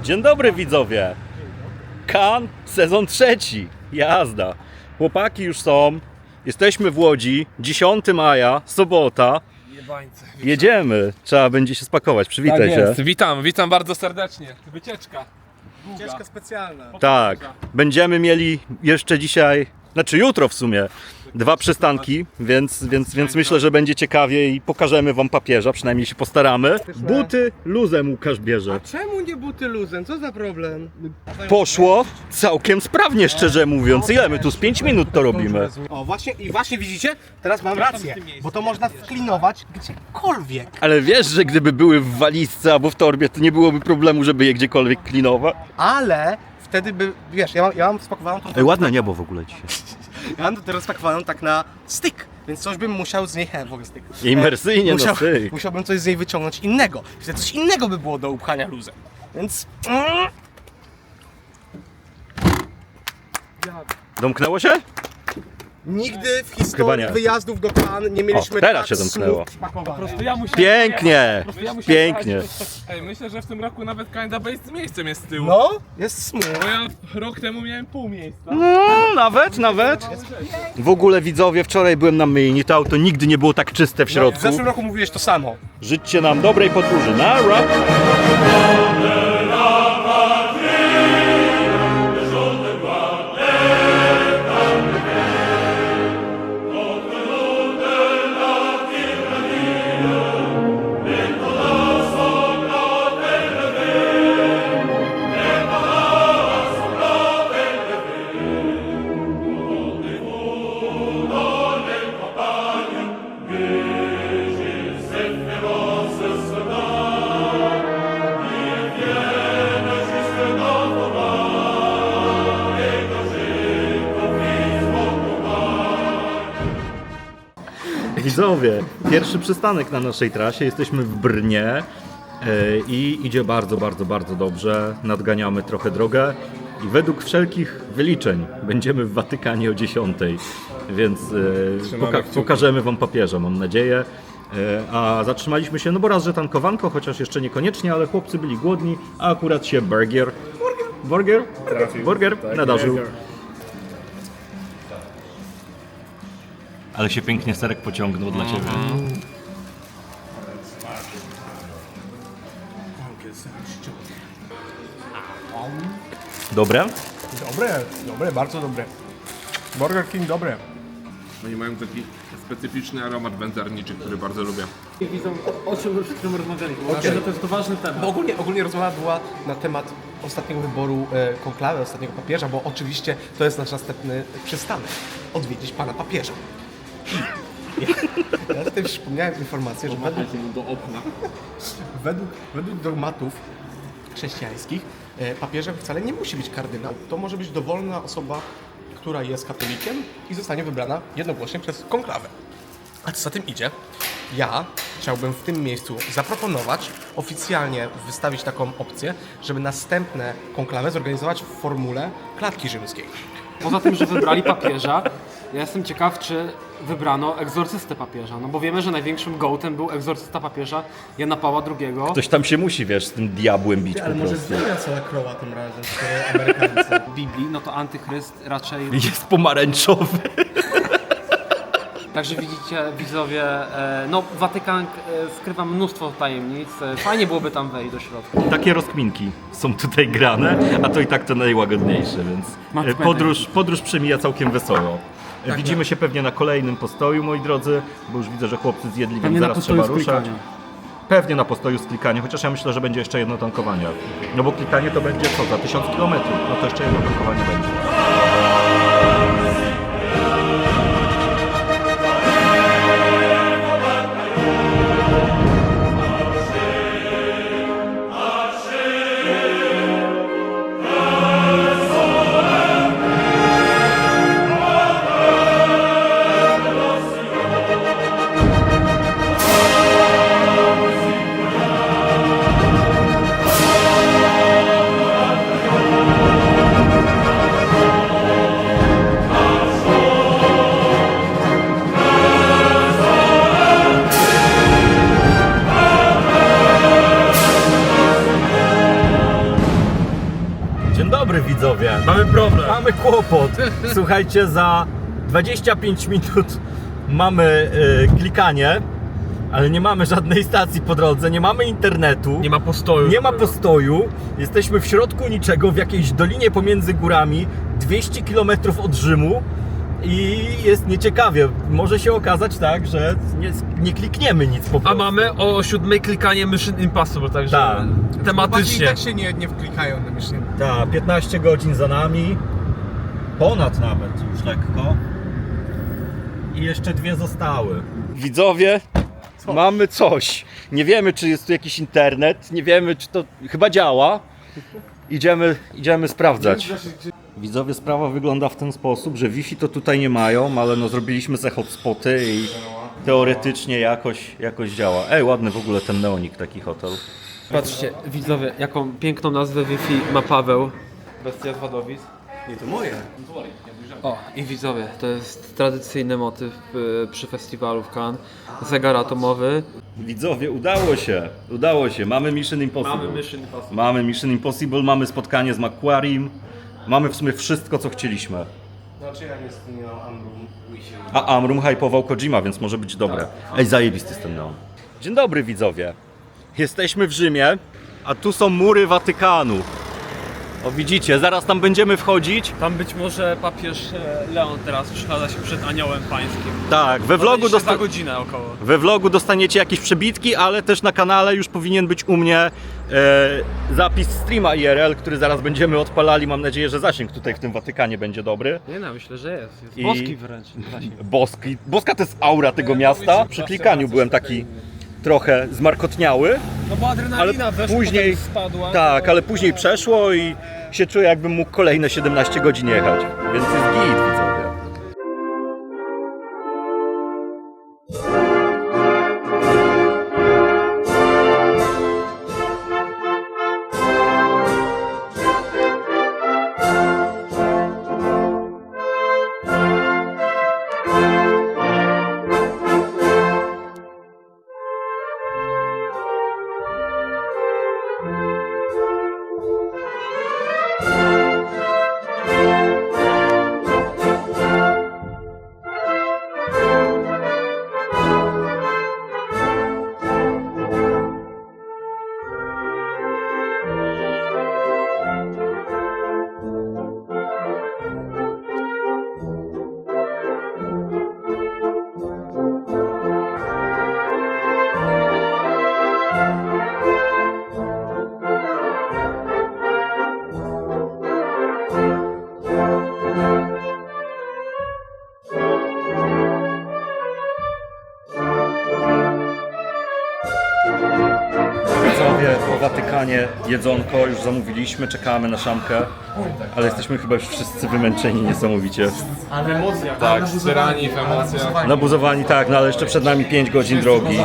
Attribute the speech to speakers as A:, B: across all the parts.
A: Dzień dobry widzowie. Cannes, sezon trzeci. Jazda. Chłopaki już są. Jesteśmy w Łodzi. 10 maja, sobota. Jedziemy. Trzeba będzie się spakować. Przywitaj
B: Tak
A: się.
B: jest. Witam bardzo serdecznie. Wycieczka.
C: Wycieczka specjalna.
A: Tak. Będziemy mieli jeszcze dzisiaj, znaczy jutro w sumie, 2 przystanki, więc myślę, że będzie ciekawie i pokażemy wam papieża, przynajmniej się postaramy. Buty luzem Łukasz bierze.
C: Czemu nie buty luzem? Co za problem?
A: Poszło całkiem sprawnie, szczerze mówiąc. Ile my tu z 5 minut to robimy?
C: O, właśnie widzicie? Teraz mam rację, bo to można wklinować gdziekolwiek.
A: Ale wiesz, że gdyby były w walizce albo w torbie, to nie byłoby problemu, żeby je gdziekolwiek klinować?
C: Ale wtedy by, wiesz, ja mam spakowaną to.
A: Ej, ładne niebo w ogóle dzisiaj.
C: Ja mam to teraz spakowaną tak na styk, więc coś bym musiał z niej, w ogóle styk.
A: Imersyjnie, no styk.
C: Musiałbym coś z niej wyciągnąć innego. Wtedy coś innego by było do upchania luzem. Więc...
A: Domknęło się?
C: Nigdy w
A: Chyba
C: historii
A: nie.
C: wyjazdów do Cannes nie mieliśmy
A: O, teraz
C: tak
A: się domknęło.
C: smooth spakowanych.
A: Pięknie! Pięknie.
B: Ej, myślę, że w tym roku nawet Kinda Base z miejscem jest z tyłu.
C: No, jest smooth.
B: Bo ja rok temu miałem pół miejsca.
A: No, nawet. W ogóle widzowie, wczoraj byłem na myjni, to auto nigdy nie było tak czyste w
C: W
A: środku.
C: zeszłym roku mówiłeś to samo.
A: Życzcie nam dobrej podróży. Nara! Widzowie, pierwszy przystanek na naszej trasie, jesteśmy w Brnie i idzie bardzo dobrze, nadganiamy trochę drogę i według wszelkich wyliczeń będziemy w Watykanie o 10, więc pokażemy wam papieża, mam nadzieję. A zatrzymaliśmy się, no bo raz, że tankowanko, chociaż jeszcze niekoniecznie, ale chłopcy byli głodni, a akurat się burger nadarzył. Ale się pięknie serek pociągnął dla ciebie. Dobre?
C: Dobre, bardzo dobre. Burger King dobre.
B: Oni mają taki specyficzny aromat wędzarniczy, który bardzo lubię.
D: Widzą, o czym już przed chwilą rozmawialiśmy. Myślę, że to jest to ważny temat.
C: Bo ogólnie rozmowa była na temat ostatniego wyboru konklawy, ostatniego papieża, bo oczywiście to jest nasz następny przystanek. Odwiedzić pana papieża. Ja tutaj przypomniałem informację, że według dogmatów chrześcijańskich papieżem wcale nie musi być kardynał. To może być dowolna osoba, która jest katolikiem i zostanie wybrana jednogłośnie przez konklawę. A co za tym idzie? Ja chciałbym w tym miejscu zaproponować, oficjalnie wystawić taką opcję, żeby następne konklawę zorganizować w formule klatki rzymskiej.
D: Poza tym, że wybrali papieża, ja jestem ciekaw, czy wybrano egzorcystę papieża. No bo wiemy, że największym gołtem był egzorcysta papieża Jana Pawła II.
A: Ktoś tam się musi, wiesz, z tym diabłem bić po prostu.
C: zmienia całe kroła tym razem, skoro Amerykanie.
D: W Biblii, no to antychryst raczej...
A: Jest pomarańczowy.
D: Także widzicie, widzowie, no Watykan skrywa mnóstwo tajemnic. Fajnie byłoby tam wejść do środka.
A: Takie rozkminki są tutaj grane, a to i tak to najłagodniejsze, więc podróż przemija całkiem wesoło. Widzimy się pewnie na kolejnym postoju, moi drodzy, bo już widzę, że chłopcy zjedli, więc
D: Pewnie na
A: zaraz
D: postoju
A: trzeba
D: z
A: ruszać.
D: klikania.
A: Pewnie na postoju z klikaniem, chociaż ja myślę, że będzie jeszcze jedno tankowanie. No bo klikanie to będzie co, za 1000 km? No to jeszcze jedno tankowanie będzie. Dzień dobry widzowie.
E: Mamy problem.
A: Mamy kłopot. Słuchajcie, za 25 minut mamy klikanie, ale nie mamy żadnej stacji po drodze, nie mamy internetu.
E: Nie ma postoju.
A: Nie ma postoju. Jesteśmy w środku niczego, w jakiejś dolinie pomiędzy górami, 200 km od Rzymu i jest nieciekawie. Może się okazać tak, że nie klikniemy nic po
E: A
A: prostu.
E: mamy o 7 klikanie Mission Impossible, także
A: Tak.
C: Chłopaki i
E: tematycznie.
C: tak się nie wklikają na myśli.
A: Tak, 15 godzin za nami. Ponad nawet już lekko. I jeszcze 2 zostały. Widzowie, mamy coś. Nie wiemy, czy jest tu jakiś internet. Nie wiemy, czy to chyba działa. Idziemy sprawdzać. Widzowie, sprawa wygląda w ten sposób, że Wi-Fi to tutaj nie mają, ale no zrobiliśmy se hotspoty i teoretycznie jakoś działa. Ej, ładny w ogóle ten neonik, taki hotel.
D: Patrzcie, widzowie, jaką piękną nazwę Wi-Fi ma Paweł. Bestia z Wadowic.
C: Nie, to moje.
D: O, i widzowie, to jest tradycyjny motyw przy festiwalu w Cannes. Zegar atomowy.
A: Widzowie, udało się. Mamy Mission Impossible. Mamy Mission Impossible, mamy spotkanie z Macquariem. Mamy w sumie wszystko, co chcieliśmy.
C: Znaczy jak jest Amrum?
A: A Amrum hypował Kojima, więc może być dobre. Ej, zajebisty jest ten neon. Dzień dobry widzowie. Jesteśmy w Rzymie, a tu są mury Watykanu. O widzicie, zaraz tam będziemy wchodzić.
D: Tam być może papież Leon teraz przechadza się przed aniołem pańskim.
A: Tak,
D: za godzinę około.
A: we vlogu dostaniecie jakieś przebitki, ale też na kanale już powinien być u mnie zapis streama IRL, który zaraz będziemy odpalali. Mam nadzieję, że zasięg tutaj w tym Watykanie będzie dobry.
D: Nie no, myślę, że jest. Jest
A: I-
D: boski wręcz.
A: Boska to jest aura tego miasta. Przy klikaniu byłem taki trochę zmarkotniały.
D: No bo adrenalina
A: Ale
D: weszła,
A: później-
D: potem spadła.
A: Tak, ale później przeszło i się czuję, jakbym mógł kolejne 17 godzin jechać. Więc jest git, widzowie. Widzowie, po Watykanie jedzonko już zamówiliśmy, czekamy na szamkę, ale jesteśmy chyba już wszyscy wymęczeni niesamowicie.
B: Tak, zbierani w emocjach.
A: Nabuzowani tak, no ale jeszcze przed nami 5 godzin drogi.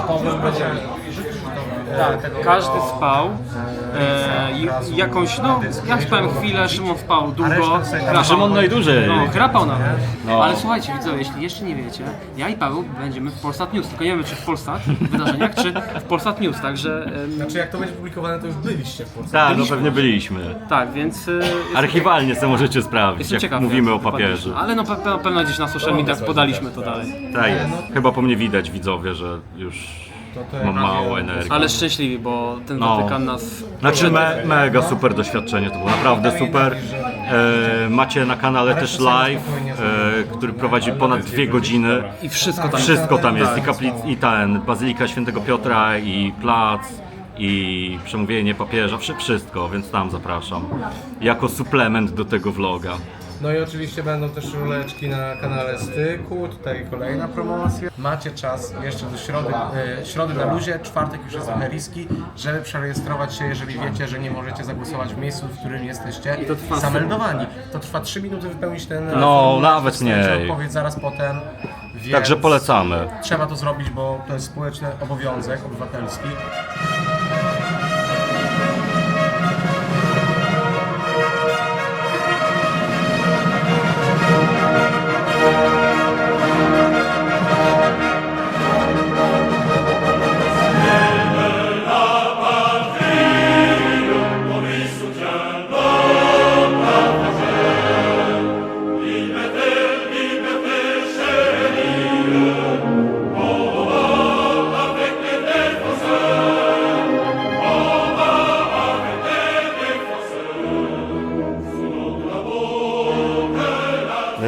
D: Tak, każdy spał. Jakąś, no, ja spałem chwilę, Szymon spał długo. Chrapał.
A: Szymon najdłużej.
D: No, chrapał nawet.
A: No.
D: Ale słuchajcie, widzowie, jeśli jeszcze nie wiecie, ja i Paweł będziemy w Polsat News, tylko nie wiemy, czy w Polsat wydarzeniach, czy w Polsat News, także
C: Znaczy jak to będzie publikowane, to już byliście w Polsce.
A: Tak, no pewnie byliśmy.
D: tak, więc
A: Archiwalnie sobie możecie sprawdzić,
D: jestem
A: jak
D: ciekaw,
A: mówimy o
D: jak wypadnie.
A: papieżu.
D: Ale no na pewno gdzieś na social mediach podaliśmy to dalej.
A: Tak jest. Chyba po mnie widać, widzowie, że już mam mało energii.
D: Ale szczęśliwi, bo ten
A: No.
D: Watykan nas...
A: Znaczy mega super doświadczenie, to było naprawdę super. Macie na kanale też live, który prowadzi ponad 2 godziny.
D: I wszystko tam
A: Wszystko tam jest, i ten Bazylika Świętego Piotra, i plac, i przemówienie papieża, wszystko, więc tam zapraszam. Jako suplement do tego vloga.
C: No i oczywiście będą też ruleczki na kanale Styku, tutaj kolejna promocja. Macie czas jeszcze do środy na luzie, czwartek już jest trochę riski, żeby przerejestrować się, jeżeli wiecie, że nie możecie zagłosować w miejscu, w którym jesteście
D: I to trwa
C: zameldowani. To trwa 3 minuty wypełnić ten
A: No,
C: formularz,
A: nawet
C: dostaniecie
A: mniej.
C: odpowiedź zaraz potem, więc
A: Także polecamy.
C: trzeba to zrobić, bo to jest społeczny obowiązek obywatelski.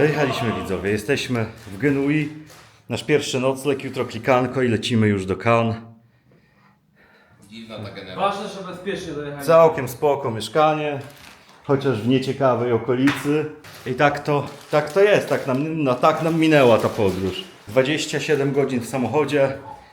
A: Dojechaliśmy, widzowie, jesteśmy w Genui. Nasz pierwszy nocleg, jutro klikanko i lecimy już do Cannes.
B: Dziwna ta generacja.
D: Ważne, że bezpiecznie dojechali.
A: Całkiem spoko mieszkanie, chociaż w nieciekawej okolicy. I tak to jest, tak nam minęła ta podróż. 27 godzin w samochodzie,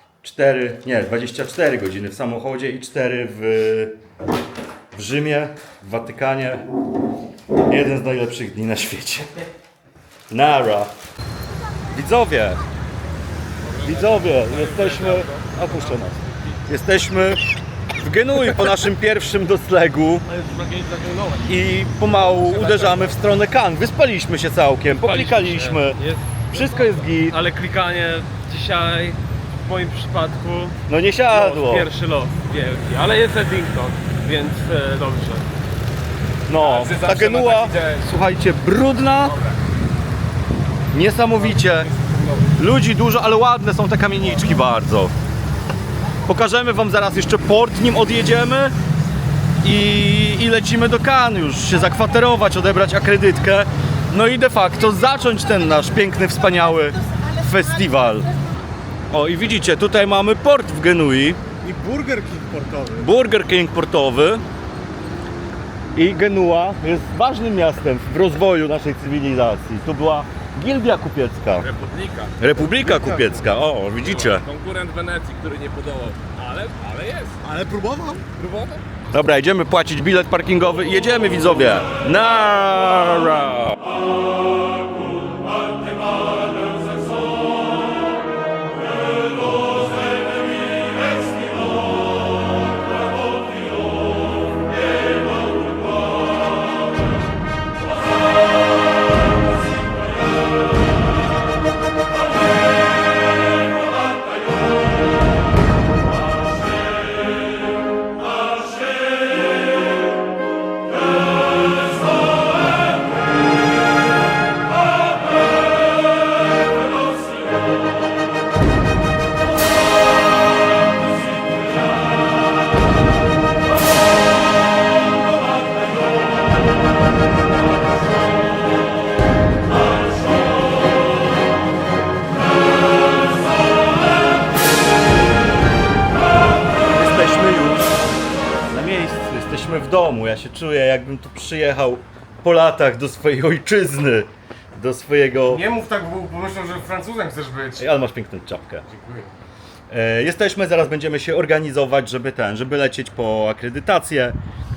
A: 24 godziny w samochodzie i 4 w Rzymie, w Watykanie. Jeden z najlepszych dni na świecie. Nara. Widzowie, jesteśmy... Opuszczę nas. Jesteśmy w Genui po naszym pierwszym noclegu i pomału uderzamy w stronę Cannes. Wyspaliśmy się całkiem, poklikaliśmy,
E: Jest,
A: wszystko jest git.
E: ale klikanie dzisiaj w moim przypadku
A: No nie siadło.
E: pierwszy los wielki, ale jest Eddington, więc dobrze.
A: No, ta Genua, słuchajcie, brudna, niesamowicie, ludzi dużo, ale ładne są te kamieniczki bardzo. Pokażemy wam zaraz jeszcze port, nim odjedziemy i lecimy do Cannes już się zakwaterować, odebrać akredytkę, no i de facto zacząć ten nasz piękny, wspaniały festiwal. O i widzicie, tutaj mamy port w Genui.
C: I Burger King portowy.
A: Burger King portowy. I Genua jest ważnym miastem w rozwoju naszej cywilizacji. Tu była Gildia Kupiecka,
B: Republika.
A: Republika Kupiecka, o widzicie.
B: Konkurent Wenecji, który nie podołał. Ale jest.
C: Ale próbował.
B: Próbował.
A: Dobra, idziemy płacić bilet parkingowy i jedziemy, widzowie. Nara! Jesteśmy już na miejscu, jesteśmy w domu. Ja się czuję, jakbym tu przyjechał po latach do swojej ojczyzny, do swojego...
C: Nie mów tak, bo pomyślą, że Francuzem chcesz być.
A: Ej, ale masz piękną czapkę. Jesteśmy, zaraz będziemy się organizować, żeby lecieć po akredytację.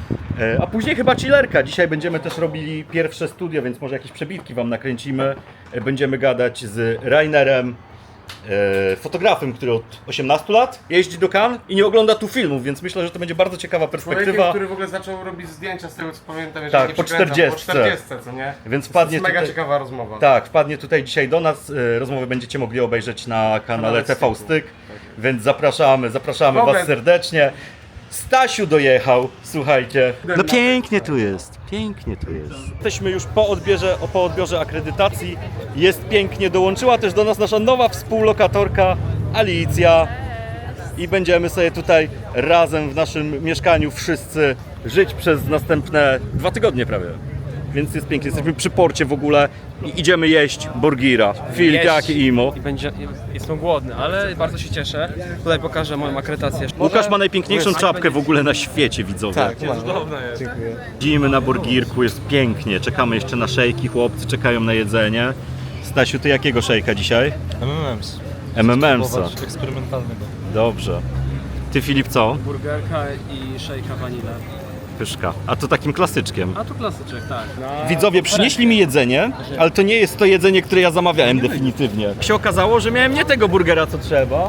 A: A później chyba chillerka. Dzisiaj będziemy też robili pierwsze studio, więc może jakieś przebitki wam nakręcimy. Będziemy gadać z Rainerem, fotografem, który od 18 lat jeździ do Cannes i nie ogląda tu filmów, więc myślę, że to będzie bardzo ciekawa
C: Człowiekiem,
A: perspektywa.
C: który w ogóle zaczął robić zdjęcia z tego co pamiętam, jeżeli
A: Tak,
C: nie
A: po
C: przekręcam,
A: 40.
C: Po 40, co nie?
A: Więc
C: To
A: wpadnie
C: jest mega
A: tutaj...
C: ciekawa rozmowa.
A: Tak, wpadnie tutaj dzisiaj do nas. Rozmowę będziecie mogli obejrzeć na kanale TV Styk, więc zapraszamy
C: Dobra.
A: was serdecznie. Stasiu dojechał, słuchajcie. No pięknie tu jest, pięknie tu jest. Jesteśmy już po odbiorze akredytacji. Jest pięknie, dołączyła też do nas nasza nowa współlokatorka Alicja. I będziemy sobie tutaj razem w naszym mieszkaniu wszyscy żyć przez następne 2 tygodnie prawie. Więc jest pięknie, jesteśmy przy porcie w ogóle i idziemy jeść burgira. Filip, jak i Imo.
D: I jestem głodny, ale bardzo się cieszę. Tutaj pokażę moją akredytację.
A: Łukasz ma najpiękniejszą czapkę w ogóle na świecie, widzowie.
C: Tak,
E: Cudowne jest.
A: Siedzimy na burgirku, jest pięknie. Czekamy jeszcze na szejki, chłopcy czekają na jedzenie. Stasiu, ty jakiego szejka dzisiaj?
F: MMMs.
A: MMMsa.
F: Eksperymentalnego.
A: Dobrze. Ty, Filip, co?
D: Burgerka i szejka vanilla.
A: Pyszka. A to takim klasyczkiem.
D: A tu klasyczek, tak.
A: Widzowie przynieśli mi jedzenie, ale to nie jest to jedzenie, które ja zamawiałem definitywnie. Się okazało, że miałem nie tego burgera, co trzeba,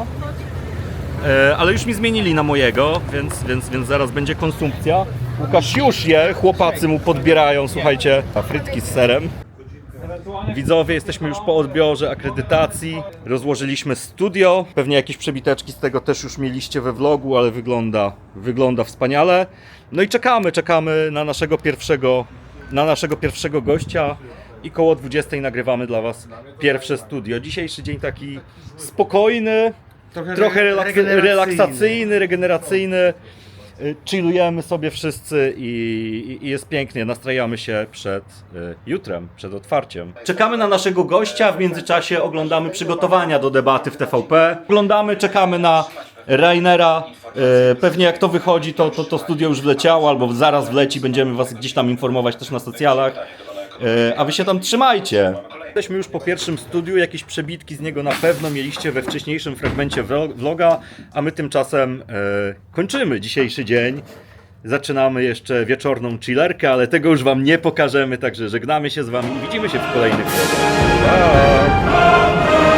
A: ale już mi zmienili na mojego, więc zaraz będzie konsumpcja. Łukasz już je, chłopacy mu podbierają, słuchajcie, frytki z serem. Widzowie, jesteśmy już po odbiorze akredytacji, rozłożyliśmy studio, pewnie jakieś przebiteczki z tego też już mieliście we vlogu, ale wygląda wspaniale. No i czekamy na naszego pierwszego gościa i koło 20 nagrywamy dla was pierwsze studio. Dzisiejszy dzień taki spokojny, trochę relaksacyjny, regeneracyjny. chillujemy sobie wszyscy i jest pięknie, nastrajamy się przed jutrem, przed otwarciem. Czekamy na naszego gościa, w międzyczasie oglądamy przygotowania do debaty w TVP. Czekamy na Rainera. Pewnie jak to wychodzi, to studio już wleciało, albo zaraz wleci, będziemy was gdzieś tam informować też na socjalach. A wy się tam trzymajcie. Jesteśmy już po pierwszym studiu, jakieś przebitki z niego na pewno mieliście we wcześniejszym fragmencie vloga, a my tymczasem kończymy dzisiejszy dzień. Zaczynamy jeszcze wieczorną chillerkę, ale tego już wam nie pokażemy, także żegnamy się z wami i widzimy się w kolejnych vlogach. Pa!